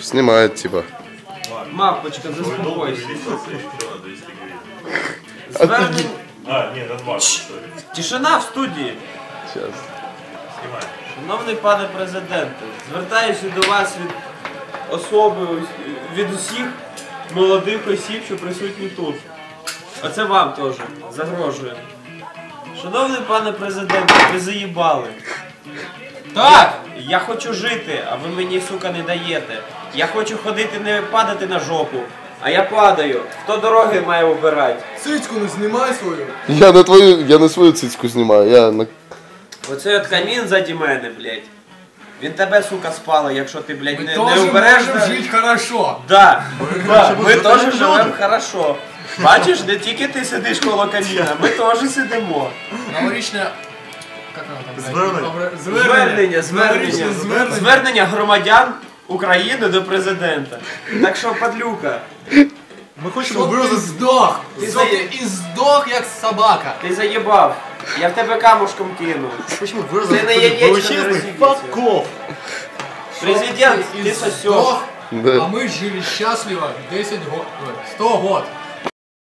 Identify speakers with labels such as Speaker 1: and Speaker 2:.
Speaker 1: Снимает, типа.
Speaker 2: Мапочка, заспокойся.
Speaker 3: Ні, нормально.
Speaker 2: Тишина в студії.
Speaker 1: Сейчас.
Speaker 2: Шановний пане президенте, звертаюся до вас від особи, від усіх молодих осіб, що присутні тут. Оце вам теж загрожує. Шановний пане президенте, ви заїбали.
Speaker 4: Так!
Speaker 2: Я хочу жити, а ви мені, сука, не даєте. Я хочу ходити, не падати на жопу, а я падаю. Хто дороги має обирати?
Speaker 4: Цицьку не знімай свою.
Speaker 1: Я на свою цицьку знімаю, я на...
Speaker 2: Оцей от камін заді мене, блядь. Він тебе, сука, спалить, якщо ти, блядь,
Speaker 4: Ми
Speaker 2: не
Speaker 4: теж
Speaker 2: убереш.
Speaker 4: можемо жити хорошо.
Speaker 2: Да, ми теж живемо хорошо. Бачиш, не тільки ти сидиш коло каміна, ми теж сидимо.
Speaker 4: Новорічне... Як воно там?
Speaker 2: Звернення громадян України до президента. Так що, падлюка,
Speaker 3: Ми хочемо
Speaker 4: Щоб ти
Speaker 3: виразити...
Speaker 4: здох! Щоб ти і здох, як собака.
Speaker 2: ти заїбав. Я в тебе камушком кину.
Speaker 3: Хочемо
Speaker 2: Ти не
Speaker 3: виразити
Speaker 2: яєчко, не
Speaker 3: величезний
Speaker 2: розіб'ється.
Speaker 3: фак-офф.
Speaker 2: Президент,
Speaker 4: І
Speaker 2: ти сосеш.
Speaker 4: здох,
Speaker 1: Да.
Speaker 4: а ми жили щасливо 10 год, 100 год.